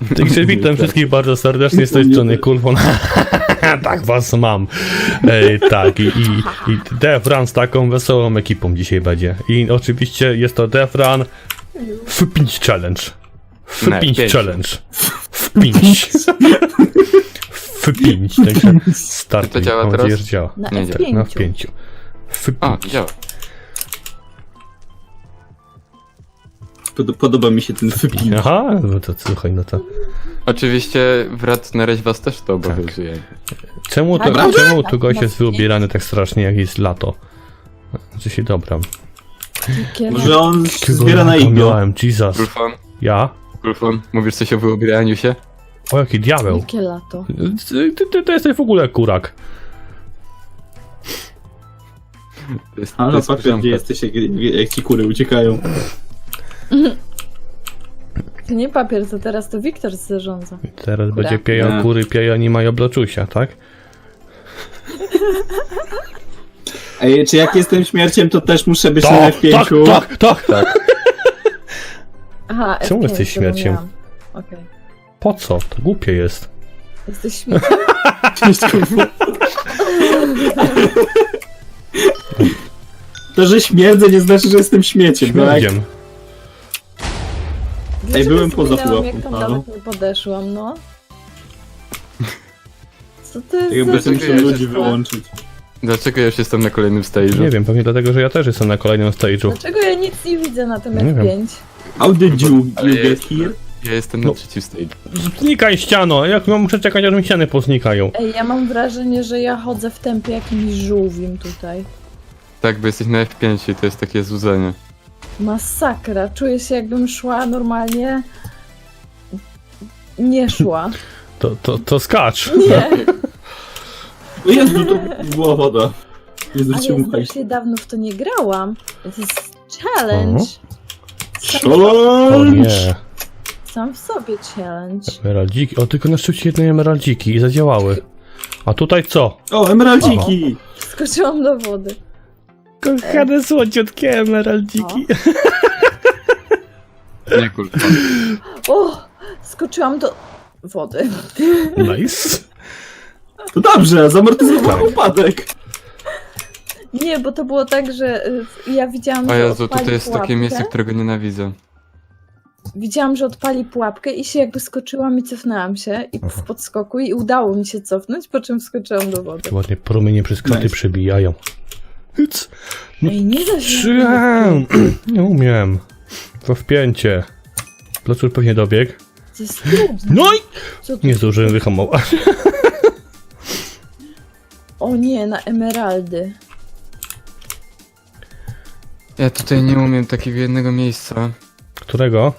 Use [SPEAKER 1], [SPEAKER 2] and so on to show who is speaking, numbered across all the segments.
[SPEAKER 1] Także witam wszystkich bardzo serdecznie z tej strony Kulfon. Tak was mam. Tak, i Death Run z taką wesołą ekipą dzisiaj będzie. I oczywiście jest to Death Run F5 Challenge. F5 Challenge. F5. F5. Także start.
[SPEAKER 2] To działa
[SPEAKER 1] Mam
[SPEAKER 2] teraz?
[SPEAKER 1] nadzieję, że działa.
[SPEAKER 3] Na
[SPEAKER 2] Nie,
[SPEAKER 3] F5.
[SPEAKER 1] Tak, na F5.
[SPEAKER 2] A,
[SPEAKER 1] F5.
[SPEAKER 2] działa.
[SPEAKER 4] Podoba mi się ten wypin.
[SPEAKER 1] Aha, no to słuchaj, no to...
[SPEAKER 2] Oczywiście wrat na razie was też to obowiązuje.
[SPEAKER 1] Czemu to,
[SPEAKER 3] Naprawdę?
[SPEAKER 1] czemu tu gość jest wyubierany tak strasznie, jak jest lato? Znaczy się dobra.
[SPEAKER 4] Może on
[SPEAKER 1] Jakiego
[SPEAKER 4] zbiera na
[SPEAKER 1] lata
[SPEAKER 4] iglo.
[SPEAKER 1] miałem, Jesus. Ja?
[SPEAKER 2] Kulfon, mówisz coś o wyubieraniu się?
[SPEAKER 1] O, jaki diabeł.
[SPEAKER 3] Jakie lato?
[SPEAKER 1] Ty to jesteś w ogóle kurak.
[SPEAKER 2] To jest,
[SPEAKER 4] Ale patrz,
[SPEAKER 2] piżamka.
[SPEAKER 4] gdzie jesteś, jak ci kury uciekają.
[SPEAKER 3] To nie papier, to teraz to Wiktor zarządza.
[SPEAKER 1] Teraz
[SPEAKER 3] Kura.
[SPEAKER 1] będzie pieją
[SPEAKER 4] Nie.
[SPEAKER 1] kury, pieją nie mają blaczusia, tak?
[SPEAKER 4] Ej, czy jak jestem śmierciem, to też muszę być na
[SPEAKER 1] Tak,
[SPEAKER 4] F5?
[SPEAKER 1] tak, tak, tak.
[SPEAKER 3] Aha,
[SPEAKER 1] Czemu
[SPEAKER 3] F5
[SPEAKER 1] jesteś śmierciem?
[SPEAKER 3] zapomniałam. Okej.
[SPEAKER 1] Po co? To głupie jest.
[SPEAKER 3] Jesteś śmierciem.
[SPEAKER 4] To, że śmierdzę, nie znaczy, że jestem śmieciem, tak?
[SPEAKER 1] Śmierdziem.
[SPEAKER 3] Dlaczego
[SPEAKER 4] byłem poza
[SPEAKER 3] zginęłam,
[SPEAKER 4] pułapką,
[SPEAKER 3] jak tam
[SPEAKER 4] no.
[SPEAKER 3] daleko podeszłam, no? Co to jest
[SPEAKER 4] Jakby
[SPEAKER 3] za...
[SPEAKER 4] to muszę ludzi wyłączyć.
[SPEAKER 2] Dlaczego ja już jestem na kolejnym stage'u?
[SPEAKER 1] Nie wiem, pewnie dlatego, że ja też jestem na kolejnym stage'u.
[SPEAKER 3] Dlaczego ja nic nie widzę na tym
[SPEAKER 1] Nie
[SPEAKER 3] F5?
[SPEAKER 4] How did you
[SPEAKER 2] Ale
[SPEAKER 4] get here?
[SPEAKER 2] Ja jestem na
[SPEAKER 1] No.
[SPEAKER 2] trzecim stage'u.
[SPEAKER 1] Znikaj ściano, jak muszę czekać, aż mi ściany poznikają.
[SPEAKER 3] Ej, ja mam wrażenie, że ja chodzę w tempie jakimś żółwim tutaj.
[SPEAKER 2] Tak, bo jesteś na F5 i to jest takie złudzenie.
[SPEAKER 3] Masakra. Czuję się, jakbym szła normalnie... Nie szła.
[SPEAKER 1] To skacz.
[SPEAKER 3] Nie.
[SPEAKER 4] O Jezu, to była woda. Nie
[SPEAKER 3] Ale
[SPEAKER 4] zwrócił
[SPEAKER 3] ja
[SPEAKER 4] uwagi.
[SPEAKER 3] strasznie dawno w to nie grałam. To jest challenge.
[SPEAKER 1] O nie.
[SPEAKER 3] Sam w sobie challenge.
[SPEAKER 1] Emeraldziki. O, tylko na szczycie jednej emeraldziki i zadziałały. A tutaj co?
[SPEAKER 4] O, emeraldziki!
[SPEAKER 3] Skoczyłam do wody.
[SPEAKER 1] Kochane słodziutkie emeraldziki.
[SPEAKER 2] Nie, Kulfon.
[SPEAKER 3] O! Skoczyłam do wody.
[SPEAKER 1] Nice.
[SPEAKER 4] To dobrze, zamortyzowałem
[SPEAKER 1] Tak.
[SPEAKER 4] upadek.
[SPEAKER 3] Nie, bo to było tak, że ja widziałam,
[SPEAKER 2] O
[SPEAKER 3] że
[SPEAKER 2] Jezu,
[SPEAKER 3] odpali
[SPEAKER 2] tutaj jest
[SPEAKER 3] pułapkę.
[SPEAKER 2] takie miejsce, którego nienawidzę.
[SPEAKER 3] Widziałam, że odpali pułapkę i się jakby skoczyłam i cofnęłam się i w podskoku i udało mi się cofnąć, po czym skoczyłam do wody.
[SPEAKER 1] Ładnie promienie przez kraty
[SPEAKER 4] Nice.
[SPEAKER 1] przebijają. Hyc.
[SPEAKER 3] Ej, nie da się...
[SPEAKER 1] Nie umiem. To wpięcie. Placur pewnie dobiegł.
[SPEAKER 3] To jest trudne.
[SPEAKER 1] No i
[SPEAKER 3] Co tu?
[SPEAKER 1] nie zdążyłem wyhamować.
[SPEAKER 3] O nie, na emeraldy.
[SPEAKER 2] Ja tutaj nie umiem takiego jednego miejsca.
[SPEAKER 1] Którego?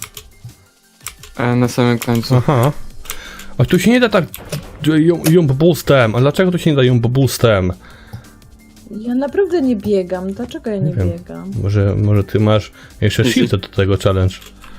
[SPEAKER 2] Na samym końcu.
[SPEAKER 1] Aha. A tu się nie da tak jump boostem. A dlaczego tu się nie da jump boostem?
[SPEAKER 3] Ja naprawdę nie biegam. Dlaczego ja nie
[SPEAKER 1] wiem.
[SPEAKER 3] biegam?
[SPEAKER 1] Może ty masz jeszcze
[SPEAKER 2] Wiecie-
[SPEAKER 1] shield do tego challenge.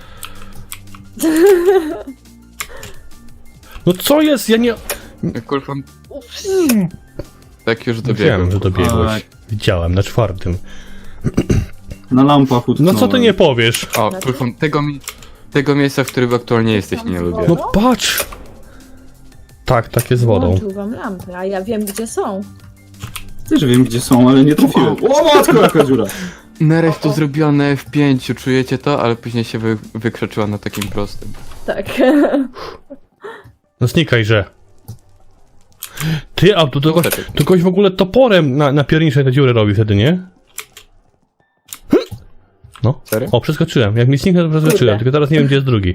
[SPEAKER 1] No co jest? Ja nie...
[SPEAKER 2] Kulfon,
[SPEAKER 3] Ups.
[SPEAKER 2] tak już
[SPEAKER 1] Wiem,
[SPEAKER 2] dobiegłem.
[SPEAKER 1] że dobiegłeś.
[SPEAKER 4] Tak.
[SPEAKER 1] Widziałem, na 4.
[SPEAKER 4] Na lampach
[SPEAKER 1] No
[SPEAKER 4] utknąłem.
[SPEAKER 1] co ty nie powiesz?
[SPEAKER 2] O, Kulfon, tego miejsca, w którym aktualnie jesteś, nie lubię.
[SPEAKER 1] No patrz! Tak, tak jest z wodą.
[SPEAKER 3] Włączył wam lampy, a ja wiem, gdzie są.
[SPEAKER 4] Też wiem, gdzie są, ale nie trafiłem. O matko, jaka dziura!
[SPEAKER 2] Narew to zrobione w 5, czujecie to? Ale później się wykrzeczyła na takim prostym.
[SPEAKER 3] Tak.
[SPEAKER 1] No znikaj, że. Ty, a to kogoś w ogóle toporem na pierniczej te dziury robi wtedy, nie? No.
[SPEAKER 2] Serio?
[SPEAKER 1] O, przeskoczyłem. Jak mi zniknę, to przeskoczyłem.
[SPEAKER 3] Kurde.
[SPEAKER 1] Tylko teraz nie wiem, gdzie jest drugi.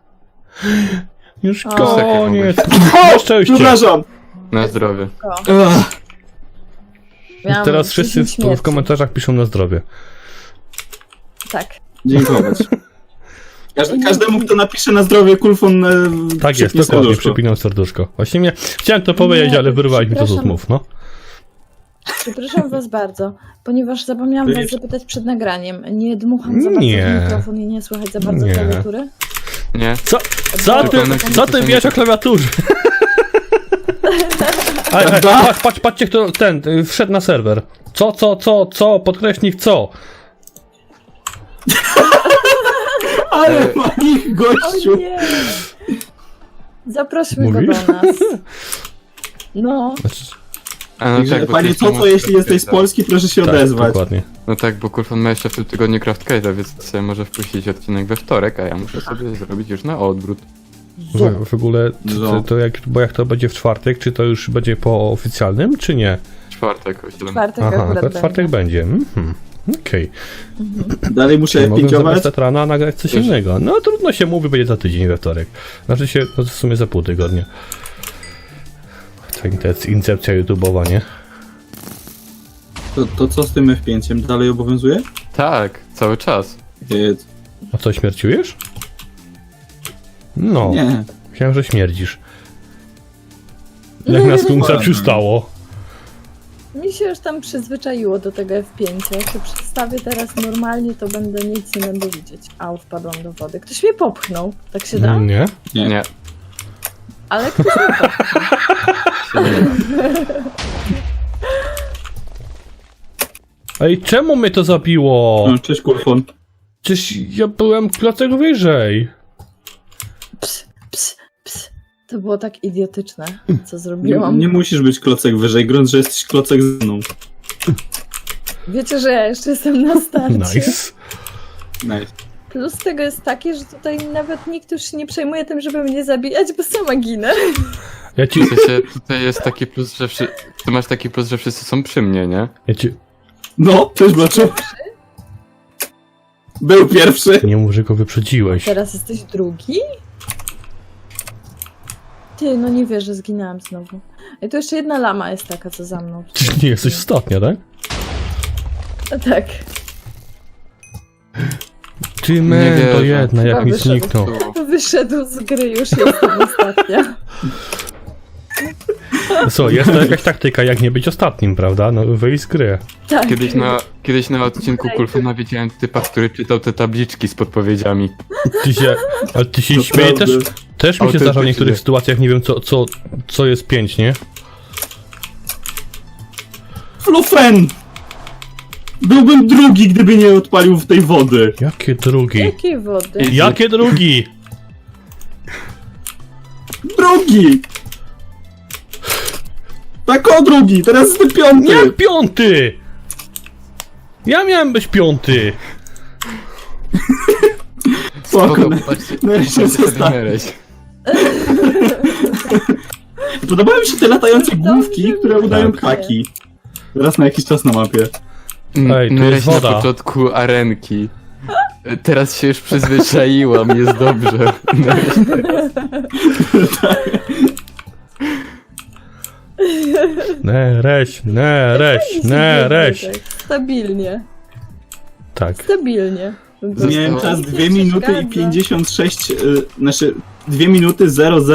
[SPEAKER 1] Już
[SPEAKER 3] O.
[SPEAKER 1] koniec. Na szczęście.
[SPEAKER 4] Przepraszam!
[SPEAKER 2] Na zdrowie.
[SPEAKER 4] Ach,
[SPEAKER 3] Miałam
[SPEAKER 1] Teraz wszyscy
[SPEAKER 3] 10
[SPEAKER 1] w
[SPEAKER 3] śmierci.
[SPEAKER 1] komentarzach piszą na zdrowie.
[SPEAKER 3] Tak.
[SPEAKER 4] dziękować. Każdemu, kto napisze na zdrowie Kulfon,
[SPEAKER 1] Tak jest,
[SPEAKER 4] przypnie
[SPEAKER 1] dokładnie,
[SPEAKER 4] serduszko.
[SPEAKER 1] przypinam serduszko. Właśnie chciałem to powiedzieć,
[SPEAKER 3] Nie,
[SPEAKER 1] ale wyrwałeś mi to z
[SPEAKER 3] przepraszam.
[SPEAKER 1] mów, no.
[SPEAKER 3] Przepraszam was bardzo, ponieważ zapomniałam was zapytać przed nagraniem. Nie dmucham za bardzo
[SPEAKER 1] Nie.
[SPEAKER 3] w mikrofon i nie słychać za bardzo
[SPEAKER 1] Nie.
[SPEAKER 3] klawiatury?
[SPEAKER 2] Nie?
[SPEAKER 1] Co ty wiesz o klawiaturze? Patrzcie, kto wszedł na serwer. Co, podkreśnik co?
[SPEAKER 4] Ale ma ich
[SPEAKER 3] O
[SPEAKER 4] gościu!
[SPEAKER 3] nie! Zaprośmy
[SPEAKER 1] Mówisz?
[SPEAKER 3] go do nas. No,
[SPEAKER 1] Znaczy,
[SPEAKER 2] A no
[SPEAKER 4] Także,
[SPEAKER 2] tak, bo
[SPEAKER 4] panie
[SPEAKER 2] ty
[SPEAKER 4] Coco,
[SPEAKER 2] masz
[SPEAKER 4] jeśli jesteś z
[SPEAKER 2] Craftcade'a.
[SPEAKER 4] Polski, proszę się
[SPEAKER 1] tak,
[SPEAKER 4] odezwać.
[SPEAKER 1] dokładnie.
[SPEAKER 2] No tak, bo Kulfon ma jeszcze w tym tygodniu Craftcade'a, więc sobie może wpuścić odcinek we wtorek, a ja muszę sobie zrobić już na odwrót.
[SPEAKER 1] W ogóle,
[SPEAKER 4] No.
[SPEAKER 1] bo jak to będzie w czwartek, czy to już będzie po oficjalnym, czy nie?
[SPEAKER 2] Czwartek o 7.
[SPEAKER 3] czwartek
[SPEAKER 1] Aha,
[SPEAKER 3] akurat
[SPEAKER 1] to czwartek będzie. Okej.
[SPEAKER 4] Dalej muszę
[SPEAKER 1] Czyli mogę
[SPEAKER 4] pięciować.
[SPEAKER 1] zamiast Tetrana nagrać coś
[SPEAKER 2] Wiesz-
[SPEAKER 1] innego. No trudno się mówi, będzie za tydzień we wtorek. Znaczy się, no w sumie za pół tygodnia. To jest incepcja YouTube'owa, nie?
[SPEAKER 4] To co z tym F5? Dalej obowiązuje?
[SPEAKER 2] Tak, cały czas.
[SPEAKER 4] Jedz.
[SPEAKER 1] A co, śmierciujesz? No,
[SPEAKER 4] Nie.
[SPEAKER 1] myślałem, że śmierdzisz. Jak na skunksa przystało.
[SPEAKER 3] mi się już tam przyzwyczaiło do tego F5. Jak się przedstawię teraz normalnie, to będę nic nie będę widzieć. Au, wpadłam do wody. Ktoś mnie popchnął. Tak się da?
[SPEAKER 1] Nie?
[SPEAKER 2] Nie.
[SPEAKER 3] Ale ktoś mnie popchnął.
[SPEAKER 1] Ej, czemu mnie to zabiło?
[SPEAKER 4] No, cześć Kulfon.
[SPEAKER 1] Przecież ja byłem klocek wyżej.
[SPEAKER 3] Ps, ps, ps. To było tak idiotyczne, co
[SPEAKER 4] Nie,
[SPEAKER 3] zrobiłam.
[SPEAKER 4] nie musisz być klocek wyżej, grunt, że jesteś klocek ze mną.
[SPEAKER 3] Wiecie, że ja jeszcze jestem na starcie.
[SPEAKER 1] Nice.
[SPEAKER 4] Nice.
[SPEAKER 3] Plus tego jest taki, że tutaj nawet nikt już się nie przejmuje tym, żeby mnie zabijać, bo sama ginę.
[SPEAKER 1] Ja ci...
[SPEAKER 2] W sensie, tutaj jest taki plus, że ty masz taki plus, że wszyscy są przy mnie, nie?
[SPEAKER 1] Ja ci...
[SPEAKER 4] No, cześć Blaczu. Był pierwszy.
[SPEAKER 1] Nie mów, że go wyprzedziłeś.
[SPEAKER 3] Teraz jesteś drugi? Ty, no nie wierzę, zginęłam znowu. I tu jeszcze jedna lama jest taka, co za mną.
[SPEAKER 1] Ty nie jesteś ostatnia, tak?
[SPEAKER 3] A tak.
[SPEAKER 1] Ty
[SPEAKER 2] Nie
[SPEAKER 1] men, to
[SPEAKER 2] wierzę.
[SPEAKER 1] jedna, jak mi
[SPEAKER 3] Wyszedł.
[SPEAKER 1] zniknął.
[SPEAKER 3] Wyszedł z gry, już jestem ostatnia.
[SPEAKER 1] Co, jest to jakaś taktyka, jak nie być ostatnim, prawda? No wyjść z gry.
[SPEAKER 3] Tak.
[SPEAKER 2] Kiedyś na odcinku Kulfona widziałem typa, który czytał te tabliczki z podpowiedziami.
[SPEAKER 1] Ale ty się śmieje też?
[SPEAKER 4] Naprawdę.
[SPEAKER 1] Też mi się zdarza w
[SPEAKER 2] Autentycznie.
[SPEAKER 1] niektórych sytuacjach, nie wiem co jest 5, nie?
[SPEAKER 4] Flufen! Byłbym drugi, gdyby nie odpalił w tej wody.
[SPEAKER 1] Jakie drugi?
[SPEAKER 3] Jakiej wody?
[SPEAKER 1] Jakie drugi?
[SPEAKER 4] Drugi! Tak o drugi, teraz jestem piąty.
[SPEAKER 1] Jak piąty? Ja miałem być piąty.
[SPEAKER 4] Spoko.
[SPEAKER 2] Patrzcie,
[SPEAKER 4] Nereś jest
[SPEAKER 2] patrzcie
[SPEAKER 4] ostatni.
[SPEAKER 2] Nereś.
[SPEAKER 4] Podobają mi się te latające główki,
[SPEAKER 3] Dobrze,
[SPEAKER 4] które udają
[SPEAKER 3] tak.
[SPEAKER 4] ptaki. Raz na jakiś czas na mapie.
[SPEAKER 1] Ej, tu
[SPEAKER 2] Nereś
[SPEAKER 1] jest
[SPEAKER 2] na
[SPEAKER 1] woda.
[SPEAKER 2] początku arenki. Teraz się już przyzwyczaiłam, jest dobrze.
[SPEAKER 1] Nereś.
[SPEAKER 3] Tak, stabilnie.
[SPEAKER 1] Tak.
[SPEAKER 3] Stabilnie.
[SPEAKER 4] Zmieniłem czas
[SPEAKER 3] Nikt
[SPEAKER 4] 2
[SPEAKER 3] nie
[SPEAKER 4] minuty i
[SPEAKER 3] przeszkadza.
[SPEAKER 4] 56, znaczy 2 minuty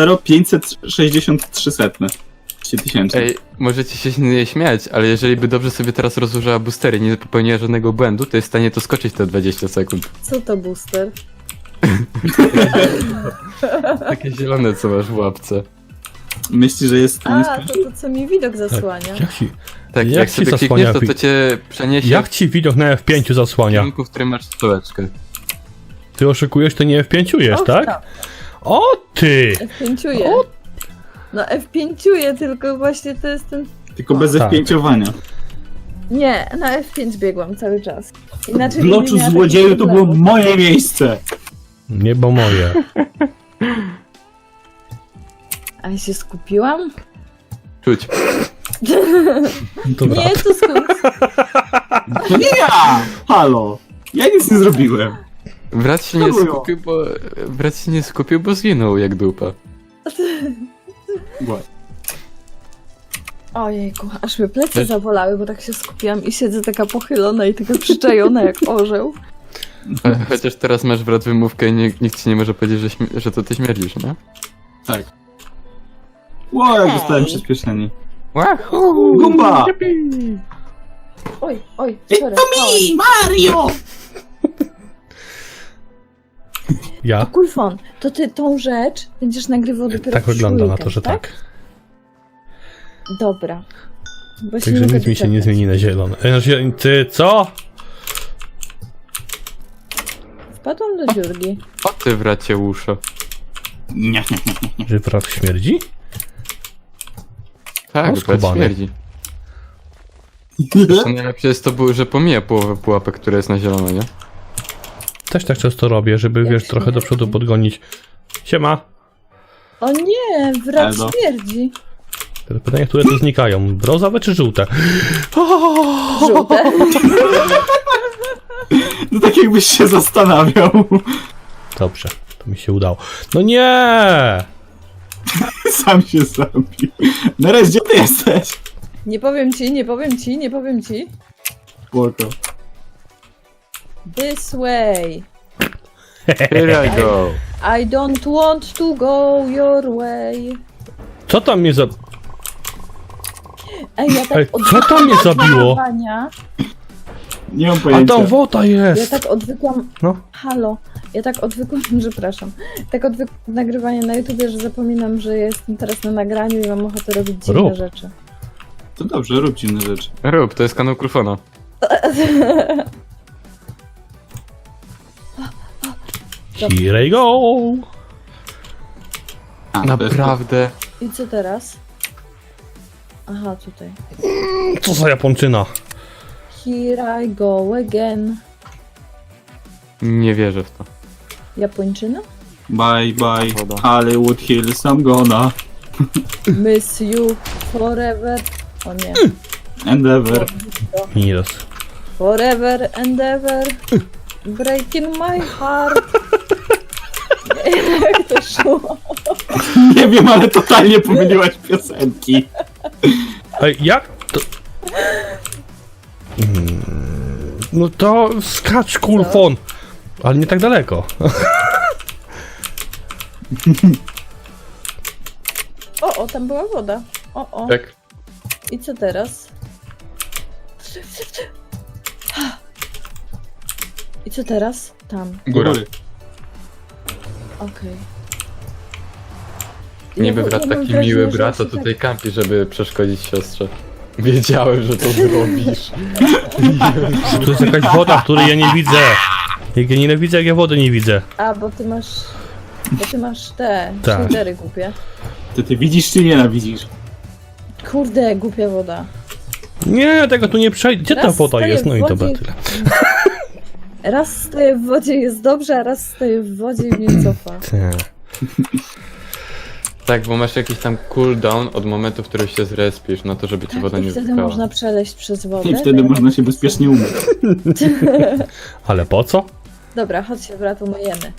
[SPEAKER 4] 563 setne. 3000.
[SPEAKER 2] Ej, możecie się nie śmiać, ale jeżeli by dobrze sobie teraz rozłożyła boostery i nie popełniła żadnego błędu, to jest w stanie to skoczyć te 20 sekund.
[SPEAKER 3] Co to booster?
[SPEAKER 2] Takie zielone, co masz w łapce.
[SPEAKER 4] Myślisz, że jest w stanie
[SPEAKER 3] A, to co mi widok zasłania.
[SPEAKER 1] Jak ci,
[SPEAKER 2] Tak,
[SPEAKER 1] Jak
[SPEAKER 2] jak
[SPEAKER 1] ci
[SPEAKER 2] sobie
[SPEAKER 1] zasłania
[SPEAKER 2] klikniesz, to cię przeniesie
[SPEAKER 1] jak ci widok na F5 zasłania?
[SPEAKER 2] w kierunku, w którym masz stołeczkę.
[SPEAKER 1] Ty oszukujesz, to nie F5-ujesz,
[SPEAKER 3] Och,
[SPEAKER 1] tak? O ty!
[SPEAKER 3] F5-uję.
[SPEAKER 1] O!
[SPEAKER 3] No F5-uję, tylko właśnie to jest ten...
[SPEAKER 4] tylko bez
[SPEAKER 1] Tak.
[SPEAKER 4] F5-owania.
[SPEAKER 3] Nie, na F5 biegłam cały czas. Inaczej
[SPEAKER 4] W
[SPEAKER 3] bym nie
[SPEAKER 4] loczu
[SPEAKER 3] miała
[SPEAKER 4] złodzieju
[SPEAKER 3] takich
[SPEAKER 4] to było
[SPEAKER 3] problemów.
[SPEAKER 4] moje miejsce.
[SPEAKER 1] Nie, bo moje.
[SPEAKER 3] A ja się skupiłam?
[SPEAKER 2] Czuć.
[SPEAKER 1] Dobra.
[SPEAKER 3] Nie, to skąd?
[SPEAKER 4] To nie ja! Halo! Ja nic nie zrobiłem.
[SPEAKER 2] Brat się
[SPEAKER 4] To
[SPEAKER 2] nie
[SPEAKER 4] było.
[SPEAKER 2] skupił, bo zginął jak dupa.
[SPEAKER 3] Ojejku, aż mnie plecy zawolały, bo tak się skupiłam i siedzę taka pochylona i taka przyczajona jak orzeł.
[SPEAKER 2] Chociaż teraz masz brat wymówkę i nikt ci nie może powiedzieć, że to ty śmierdzisz, nie?
[SPEAKER 4] Tak. Ło, jak dostałem przyspieszenie.
[SPEAKER 2] Wahoo!
[SPEAKER 4] Gumba!
[SPEAKER 3] Oj, sorry.
[SPEAKER 4] Mario!
[SPEAKER 1] Ja?
[SPEAKER 3] Kulfon, to ty tą rzecz będziesz nagrywał dopiero
[SPEAKER 1] Tak
[SPEAKER 3] w
[SPEAKER 1] wygląda na
[SPEAKER 3] weekend,
[SPEAKER 1] to, że tak.
[SPEAKER 3] Dobra. Bo się
[SPEAKER 1] Także
[SPEAKER 3] nie
[SPEAKER 1] nic mi się nie
[SPEAKER 3] doczekać.
[SPEAKER 1] zmieni na zielono. Ty co?
[SPEAKER 3] Wpadłam do dziurki.
[SPEAKER 2] O ty wracie uszo.
[SPEAKER 4] Nie.
[SPEAKER 1] Że wrak śmierdzi?
[SPEAKER 2] Tak,
[SPEAKER 1] O,
[SPEAKER 2] brat
[SPEAKER 1] skubany.
[SPEAKER 2] śmierdzi. To najlepsze jest to, że pomija połowę pułapek, które jest na zielono, nie?
[SPEAKER 1] Też tak często robię, żeby,
[SPEAKER 3] Jak
[SPEAKER 1] wiesz, trochę do
[SPEAKER 3] śmierdzi.
[SPEAKER 1] przodu podgonić. Siema.
[SPEAKER 3] O nie, wrak
[SPEAKER 4] Edo.
[SPEAKER 3] śmierdzi.
[SPEAKER 1] Teraz pytanie, które tu znikają. Brązowe czy żółte?
[SPEAKER 3] Żółte.
[SPEAKER 4] No tak jakbyś się zastanawiał.
[SPEAKER 1] Dobrze, to mi się udało. No nie!
[SPEAKER 4] Sam się zabił. Nereś, gdzie ty jesteś?
[SPEAKER 3] Nie powiem ci, nie powiem ci, nie powiem ci.
[SPEAKER 4] Spoko.
[SPEAKER 3] This way.
[SPEAKER 2] Here I go.
[SPEAKER 3] I don't want to go your way.
[SPEAKER 1] Co tam mnie za...
[SPEAKER 3] Ej, ja tak
[SPEAKER 1] Ej, co
[SPEAKER 3] odwykłam
[SPEAKER 1] tam mnie
[SPEAKER 3] od
[SPEAKER 1] zabiło?
[SPEAKER 3] malowania.
[SPEAKER 4] Nie mam
[SPEAKER 1] A
[SPEAKER 4] pojęcia.
[SPEAKER 1] tam woda
[SPEAKER 3] Ja
[SPEAKER 1] jest!
[SPEAKER 3] tak odwykłam.
[SPEAKER 1] No.
[SPEAKER 3] Halo. Ja tak odwykłam, przepraszam. Tak odwykłam nagrywanie na YouTubie, że zapominam, że jestem teraz na nagraniu i mam ochotę robić dziwne
[SPEAKER 1] Rób.
[SPEAKER 3] rzeczy.
[SPEAKER 4] To dobrze, rób dziwne rzeczy.
[SPEAKER 2] Rób, to jest kanał Krufona.
[SPEAKER 1] Here I go!
[SPEAKER 4] A, to jest
[SPEAKER 2] Naprawdę.
[SPEAKER 3] I co teraz? Aha, tutaj.
[SPEAKER 1] Co za Japończyna?
[SPEAKER 3] Here I go again.
[SPEAKER 2] Nie wierzę w to.
[SPEAKER 3] Japończyna?
[SPEAKER 4] Bye bye,
[SPEAKER 2] Woda.
[SPEAKER 4] Hollywood Hills, I'm gonna.
[SPEAKER 3] Miss you forever. O nie.
[SPEAKER 4] Endeavor.
[SPEAKER 1] Miros.
[SPEAKER 3] Forever and ever. Breaking my heart. Nie wiem, jak to szło.
[SPEAKER 4] Nie wiem, ale totalnie pomyliłaś piosenki.
[SPEAKER 1] Ej, jak to... No to skacz, kulfon! Ale nie tak daleko.
[SPEAKER 3] O, tam była woda. O.
[SPEAKER 2] Tak.
[SPEAKER 3] I co teraz? I co teraz? Tam.
[SPEAKER 2] Góra.
[SPEAKER 3] Okej.
[SPEAKER 2] Niby
[SPEAKER 3] Ja
[SPEAKER 2] brat
[SPEAKER 3] mam
[SPEAKER 2] taki
[SPEAKER 3] wrażenie,
[SPEAKER 2] miły
[SPEAKER 3] że
[SPEAKER 2] brat, to
[SPEAKER 3] się tak-
[SPEAKER 2] tutaj kampi, żeby przeszkodzić siostrze. Wiedziałem, że to zrobisz.
[SPEAKER 1] Tu jest jakaś woda, której ja nie widzę. Jak ja nienawidzę, jak ja wody nie widzę.
[SPEAKER 3] A, bo ty masz... Bo ty masz te
[SPEAKER 1] Tak.
[SPEAKER 3] shadery głupie.
[SPEAKER 4] Ty widzisz czy nienawidzisz?
[SPEAKER 3] Kurde, głupia woda.
[SPEAKER 1] Nie, tego tu nie przejdzie. Gdzie ta
[SPEAKER 3] Raz
[SPEAKER 1] woda
[SPEAKER 3] staję
[SPEAKER 1] jest?
[SPEAKER 3] w
[SPEAKER 1] No i dobra,
[SPEAKER 3] wodzie.
[SPEAKER 1] tyle.
[SPEAKER 3] Raz stoję w wodzie jest dobrze, a raz stoję w wodzie i mnie cofa.
[SPEAKER 2] Tak, bo masz jakiś tam cooldown od momentu, w którym się zrespisz, na to, żeby ci woda
[SPEAKER 3] I
[SPEAKER 2] nie
[SPEAKER 3] wtedy
[SPEAKER 2] wypchała.
[SPEAKER 3] można przeleść przez wodę.
[SPEAKER 4] I wtedy
[SPEAKER 3] to ja-
[SPEAKER 4] można się bezpiecznie umyć.
[SPEAKER 1] Ale po co?
[SPEAKER 3] Dobra, chodź się brat, umyjemy.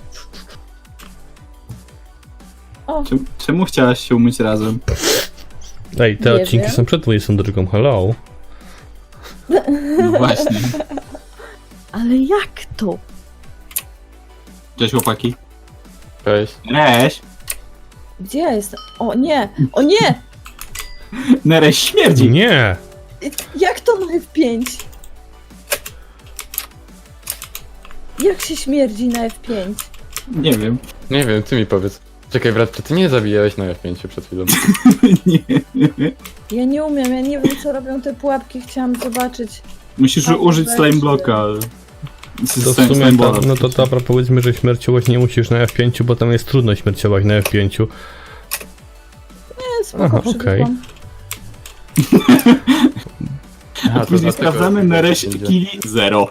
[SPEAKER 3] O,
[SPEAKER 4] Czemu chciałaś się umyć razem?
[SPEAKER 1] Ej, te
[SPEAKER 3] Nie
[SPEAKER 1] odcinki
[SPEAKER 3] wiem.
[SPEAKER 1] są przed 22. Hello.
[SPEAKER 4] No właśnie.
[SPEAKER 3] ale jak to?
[SPEAKER 4] Cześć chłopaki.
[SPEAKER 2] Cześć.
[SPEAKER 4] Nereś!
[SPEAKER 3] Gdzie ja jestem? O nie! O nie!
[SPEAKER 4] Nereś śmierdzi!
[SPEAKER 1] Nie!
[SPEAKER 3] Jak to na F5? Jak się śmierdzi na F5?
[SPEAKER 4] Nie wiem.
[SPEAKER 2] Nie wiem, ty mi powiedz. Czekaj, brat, czy ty nie zabijałeś na F5 przed chwilą?
[SPEAKER 4] Nie.
[SPEAKER 3] Ja nie umiem, ja nie wiem co robią te pułapki, chciałam zobaczyć.
[SPEAKER 4] Musisz
[SPEAKER 3] Tak,
[SPEAKER 4] użyć
[SPEAKER 3] weź
[SPEAKER 4] slime
[SPEAKER 3] się.
[SPEAKER 4] blocka.
[SPEAKER 1] To w sumie, no to dobra, powiedzmy, że śmierciować nie musisz na F5, bo tam jest trudno śmierciować na F5.
[SPEAKER 3] Nie, spoko,
[SPEAKER 1] Aha,
[SPEAKER 3] przywykłam.
[SPEAKER 2] Aha,
[SPEAKER 4] A później
[SPEAKER 2] dlatego-
[SPEAKER 4] sprawdzamy Nereś
[SPEAKER 2] będzie.
[SPEAKER 4] killi 0.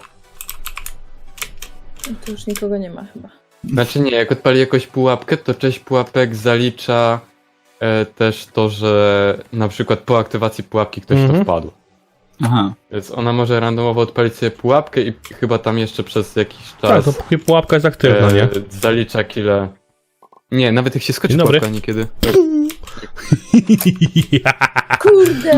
[SPEAKER 3] Tu już nikogo nie ma chyba.
[SPEAKER 2] Znaczy nie, jak odpali jakąś pułapkę, to część pułapek zalicza też to, że na przykład po aktywacji pułapki ktoś w to
[SPEAKER 1] Mhm.
[SPEAKER 2] wpadł.
[SPEAKER 4] Aha.
[SPEAKER 2] Więc ona może randomowo odpalić sobie pułapkę i chyba tam jeszcze przez jakiś
[SPEAKER 1] Tak,
[SPEAKER 2] czas
[SPEAKER 1] to póki pułapka jest aktywna, nie?
[SPEAKER 2] zalicza kile. Nie, nawet jak się skoczy
[SPEAKER 1] Dzień dobry.
[SPEAKER 2] pułapka niekiedy.
[SPEAKER 3] Kurde!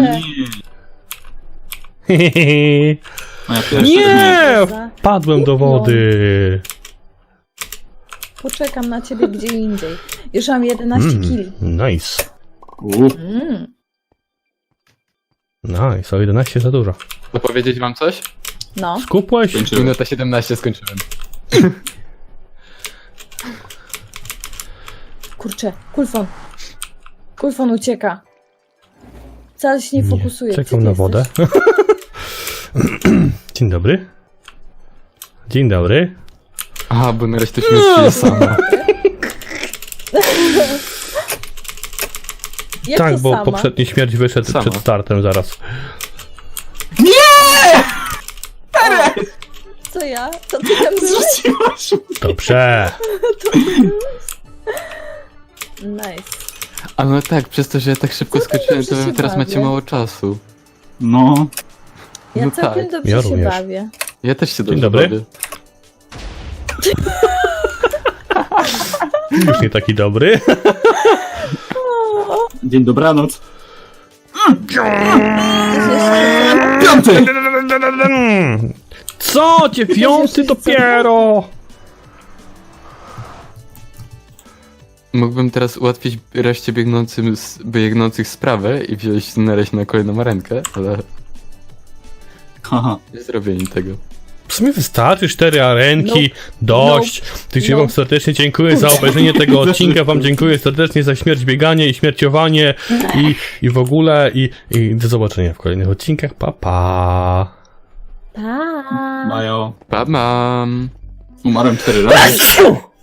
[SPEAKER 4] Moja pierwsza
[SPEAKER 1] Nie!
[SPEAKER 3] Za-
[SPEAKER 1] Wpadłem do wody.
[SPEAKER 3] Poczekam na ciebie gdzie indziej. Już mam 11 kili.
[SPEAKER 1] Nice.
[SPEAKER 3] Mm.
[SPEAKER 1] Nice, o 11 za dużo.
[SPEAKER 2] To powiedzieć wam coś?
[SPEAKER 3] No.
[SPEAKER 1] Skupłeś?
[SPEAKER 4] Skończyłem.
[SPEAKER 2] Minuta 17 skończyłem.
[SPEAKER 3] Kurczę, kulfon. Kulfon ucieka. Wcale się nie fokusuje. Gdzie
[SPEAKER 1] Czekam
[SPEAKER 3] ty
[SPEAKER 1] na
[SPEAKER 3] jesteś?
[SPEAKER 1] wodę. Dzień dobry. Dzień dobry.
[SPEAKER 2] Aha, bo na razie to śmierci sama.
[SPEAKER 3] Jak
[SPEAKER 1] Tak,
[SPEAKER 3] to
[SPEAKER 1] bo
[SPEAKER 3] sama?
[SPEAKER 1] poprzedni śmierć wyszedł
[SPEAKER 2] Sama.
[SPEAKER 1] przed startem zaraz.
[SPEAKER 3] Co ja? To ty tam byłeś?
[SPEAKER 4] Zrzuciłaś.
[SPEAKER 1] Dobrze.
[SPEAKER 3] Nice.
[SPEAKER 2] A no tak, przez to, że ja tak szybko
[SPEAKER 3] Całkiem
[SPEAKER 2] skoczyłem,
[SPEAKER 3] dobrze
[SPEAKER 2] to wy
[SPEAKER 3] się
[SPEAKER 2] teraz macie
[SPEAKER 3] bawię.
[SPEAKER 2] mało czasu.
[SPEAKER 4] No.
[SPEAKER 3] Ja
[SPEAKER 2] No
[SPEAKER 3] całkiem
[SPEAKER 2] tak,
[SPEAKER 3] dobrze
[SPEAKER 1] ja
[SPEAKER 3] się
[SPEAKER 1] również.
[SPEAKER 3] bawię.
[SPEAKER 2] Ja też się dobrze
[SPEAKER 1] dobry.
[SPEAKER 2] bawię.
[SPEAKER 1] Już nie taki dobry.
[SPEAKER 4] Dzień dobranoc.
[SPEAKER 3] Ktoś jeszcze
[SPEAKER 4] Piąty!
[SPEAKER 1] Co? Dziewiąty dopiero!
[SPEAKER 2] Mógłbym teraz ułatwić reszcie biegnących sprawę i wziąć nareść na kolejną arenkę, ale
[SPEAKER 4] Haha.
[SPEAKER 2] nie zrobię im tego.
[SPEAKER 1] W sumie wystarczy 4 arenki, dość. Tych wam serdecznie dziękuję za obejrzenie tego odcinka, wam dziękuję serdecznie za śmierć, bieganie i śmierciowanie i w ogóle i do zobaczenia w kolejnych odcinkach, pa pa!
[SPEAKER 3] Pa.
[SPEAKER 4] Majo.
[SPEAKER 2] Pa mam!
[SPEAKER 4] Umarłem 4 razy.